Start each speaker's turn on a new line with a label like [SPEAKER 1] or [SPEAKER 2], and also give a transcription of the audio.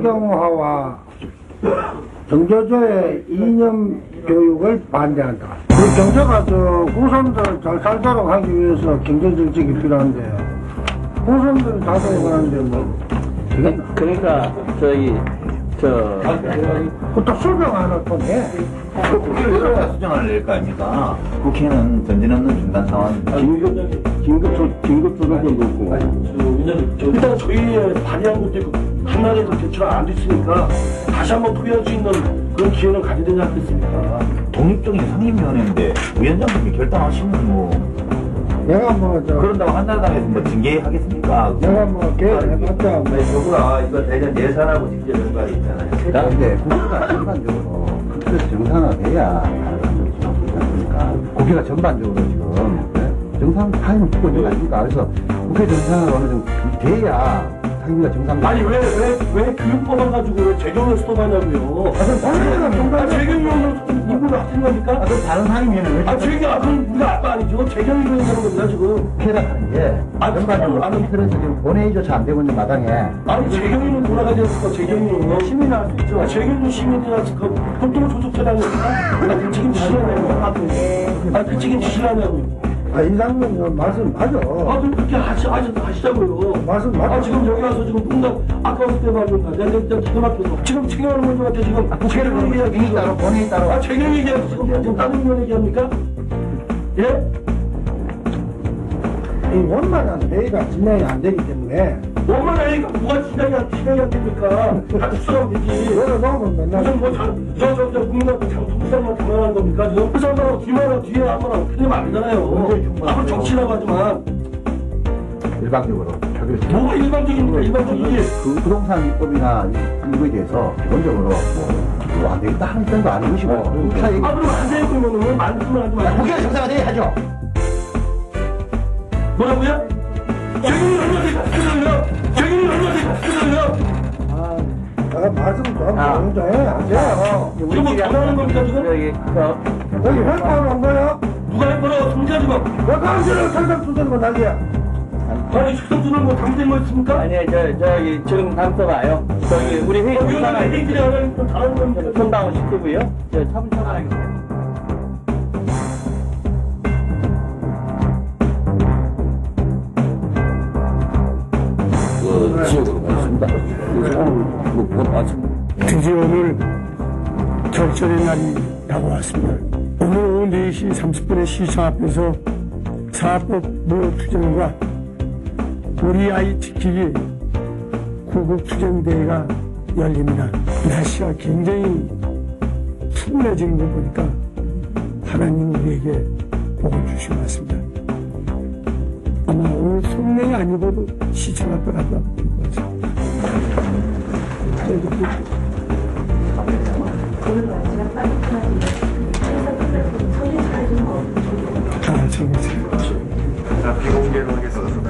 [SPEAKER 1] 정경화와 정조조의 이념 교육을 반대한다. 우리 경제가 후손들 잘 살도록 하기 위해서 경제정책이 필요한데 후손들이 자동을 하는데 뭐
[SPEAKER 2] 그러니까
[SPEAKER 1] 또 수정 안 할 건데
[SPEAKER 3] 국회를 왜 수정을 낼 거 아닙니까? 국회는 전진없는 중단 상황.
[SPEAKER 2] 긴급 조정도 놓고.
[SPEAKER 4] 일단 저희의 발의한 것도 있고 하나에서 제출이 안 됐으니까 다시 한번 토의할 수 있는 그런 기회를 가져야 되지 않겠습니까?
[SPEAKER 3] 독립적인 상임위원회인데 위원장님이 결단하시면 뭐
[SPEAKER 1] 내가
[SPEAKER 3] 그런다고 한나라당에서 뭐 징계하겠습니까?
[SPEAKER 1] 내가 계획해봤자
[SPEAKER 5] 정부가 이거 대전 예산하고 직접 연관이 있잖아요.
[SPEAKER 6] 그런데 국회가 전반적으로 그렇게 정상화돼야 그러니까 국회가 전반적으로 지금 정상 타임을 두고 있는 거 아닙니까? 그래서 국회 정상화가 어느 정도 돼야 상임위가 정상적으로.
[SPEAKER 4] 아니 왜 교육법을 가지고 왜 재경을 수업하냐고요? 재경위원으로 이분을 하신 겁니까?
[SPEAKER 6] 그럼 다른 상임위는 왜?
[SPEAKER 4] 그럼 우리가 아빠 아니죠? 재경위원이 하는 겁니다 지금.
[SPEAKER 6] 국회라는 게 전반적으로 틀에서 지금 본회의조차 안 되고 있는 마당에.
[SPEAKER 4] 아니 재경위는 돌아가지 않을까? 재경위는 시민이 할 수 있죠. 재경위는 시민이 할 수 있고 보통 조속처라니까. 그 책임지시라냐고. 그 책임지시라냐고.
[SPEAKER 1] 이상민 말씀 맞아.
[SPEAKER 4] 그럼 그렇게 하시자고요.
[SPEAKER 1] 말씀 맞아.
[SPEAKER 4] 지금 여기 와서 지금 농담 아까웠을 때 말입니다. 내가 진짜 기가 막혀서 지금 책임하는 분들한테 지금 책임 얘기하기
[SPEAKER 6] 따로 본회의 따로.
[SPEAKER 4] 책임 얘기하고 지금 다른 분 얘기합니까? 예?
[SPEAKER 1] 이 원만한 회의가 진행이 안 되기 때문에
[SPEAKER 4] 원만한 얘기가 뭐가 진행이 안 됩니까? 다 축소하면 되지.
[SPEAKER 1] 내가 놓으면 맨날
[SPEAKER 4] 무슨 저 국민한테 장통상만 장난하는 겁니까 지금? 그 사람하고 뒤에 한번 어떻게 되면 안 되잖아요. 앞으로 정치라고 하지만
[SPEAKER 6] 일방적으로 표결.
[SPEAKER 4] 뭐가 일반적입니까? 일반적이지.
[SPEAKER 6] 그 부동산 입법이나 이거에 대해서 기본적으로 뭐안 되겠다 하는 점도 아닌 것이고.
[SPEAKER 4] 그럼 안 돼요 그러면은 말씀을 하지 말고.
[SPEAKER 6] 국회가 정상화돼야 하죠.
[SPEAKER 4] 뭐라고요? 재경이 얼마나 됐어요? 재경이 얼마나 됐어요?
[SPEAKER 1] 내가 말씀 좀 공정해 하세요.
[SPEAKER 4] 지금 뭐 전화하는 겁니까 지금?
[SPEAKER 1] 여기 회파하러 온 거야?
[SPEAKER 4] 누가 해보라고 손자 지금?
[SPEAKER 1] 왜 강제로 탈당 두드는 거 난리야?
[SPEAKER 4] 아니 축성주는 뭐 당된 거 있습니까?
[SPEAKER 2] 아니, 저기, 지금 담서봐요. 우리 회의
[SPEAKER 4] 위원장님 얘기들이 하나님 좀 잘하는 겁니다.
[SPEAKER 2] 손다운 시키고요. 차분차분 하겠습니다.
[SPEAKER 7] 지역으로 가겠습니다.
[SPEAKER 8] 드디어 오늘 결전의 날이 다가왔습니다. 오늘 오후 4시 30분에 시청 앞에서 사법 무효투쟁과 우리 아이 지키기 구국투쟁대회가 열립니다. 날씨가 굉장히 푸근해지는 거 보니까 하나님 우리에게 복을 주신 것 같습니다. 아마 오늘 성명이 아니고도 시청 앞에 가다 볼 것 같습니다. 다 정해주세요.
[SPEAKER 5] 비공개로 하겠습니다.